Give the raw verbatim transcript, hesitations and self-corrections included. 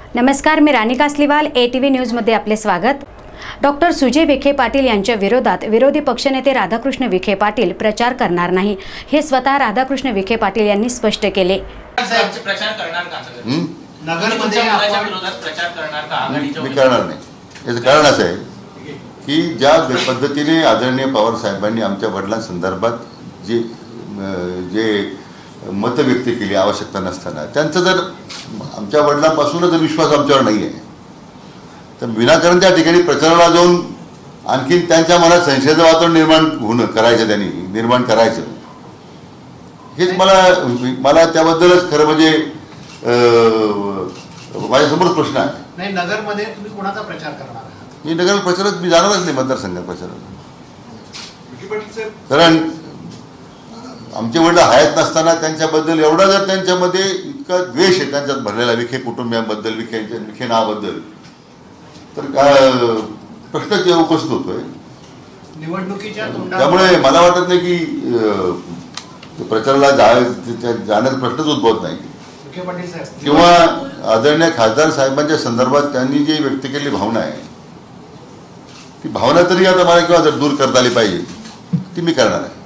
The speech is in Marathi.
नमस्कार, मी Rani Kasliwal, A T V न्यूजमध्ये आपले स्वागत। डॉक्टर सुजय विखे पाटील यांच्या विरोधात विरोधी पक्षनेते राधाकृष्ण विखे पाटील प्रचार करणार नाही, हे स्वतः राधाकृष्ण विखे पाटील यांनी स्पष्ट केले। प्रचार करणार का? नगरमध्ये आपण विरोधात प्रचार करणार का? आघाडीच्या मी करणार नाही। याचं कारण असं आहे की ज्या पद्धतीने आदरणीय पवार साहेबांनी आमच्या वडिलांसंदर्भात जे जे मत व्यक्त केली आवश्यकता नसताना, त्यांचा जर आमच्या वडिलांपासूनच जर विश्वास आमच्यावर नाही आहे तर विनाकारण त्या ठिकाणी प्रचाराला जाऊन आणखीन त्यांच्या मनात संशयाचं वातावरण निर्माण होणं करायचं, त्यांनी निर्माण करायचं, हेच मला मला त्याबद्दलच खरं म्हणजे माझ्यासमोर प्रश्न आहे। नाही, नगरमध्ये तुम्ही कोणाचा प्रचार करणार आहात? मी नगर प्रचारात मी जाणारच नाही, मतदारसंघात प्रचारात। कारण आमचे वडील हयात नसताना त्यांच्याबद्दल एवढा जर त्यांच्यामध्ये इतका द्वेष आहे त्यांच्यात भरलेला, विखे कुटुंबियांबद्दल, विखे विखे नावाबद्दल, तर काय प्रश्नच उपस्थित होतोय निवडणुकीच्या तोंडावर। त्यामुळे मला वाटत नाही की प्रचाराला जाण्याचा प्रश्नच उद्भवत नाही। विखे पाटील साहेब किंवा आदरणीय खासदार साहेबांच्या संदर्भात त्यांनी जी व्यक्त केलेली भावना आहे, ती भावना तरी आता मला किंवा जर दूर करता आली पाहिजे, ती मी करणार आहे।